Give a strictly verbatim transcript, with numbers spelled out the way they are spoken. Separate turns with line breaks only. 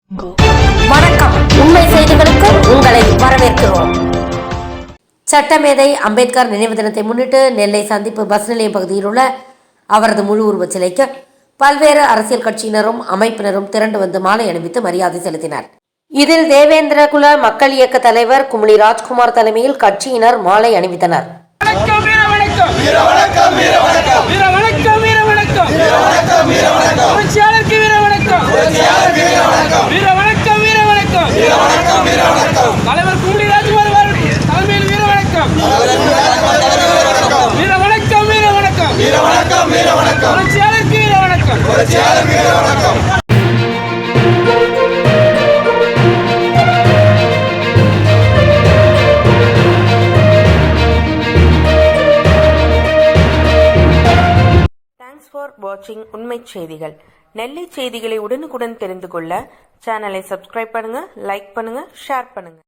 வணக்கம். உண்மை செய்திகளுக்கு உங்களை வரவேற்கிறோம். சட்டமேதை அம்பேத்கர் நினைவு தினத்தை முன்னிட்டு நெல்லை சந்திப்பு பஸ் நிலையம் பகுதியில் உள்ள அவரது முழு உருவச் சிலைக்கு பல்வேறு அரசியல் கட்சியினரும் அமைப்பினரும் திரண்டு வந்து மாலை அணிவித்து மரியாதை செலுத்தினர். இதில் தேவேந்திர குல மக்கள் இயக்க தலைவர் குமுளி ராஜ்குமார் தலைமையில் கட்சியினர் மாலை அணிவித்தனர்.
தலைவர் குமுளி ராஜ்குமார் தலைமையில் வீர வணக்கம், வீர வணக்கம், வீர வணக்கம், வீர வணக்கம், வீர வணக்கம், புரட்சியாளருக்கு வீர வணக்கம், புரட்சியாளருக்கு வீர வணக்கம்.
தேங்க்ஸ் ஃபார் வாட்சிங் உண்மை செய்திகள். நெல்லை செய்திகளை உடனுக்குடன் தெரிந்து கொள்ள சேனலை சப்ஸ்கிரைப் பண்ணுங்க, லைக் பண்ணுங்க, ஷேர் பண்ணுங்க.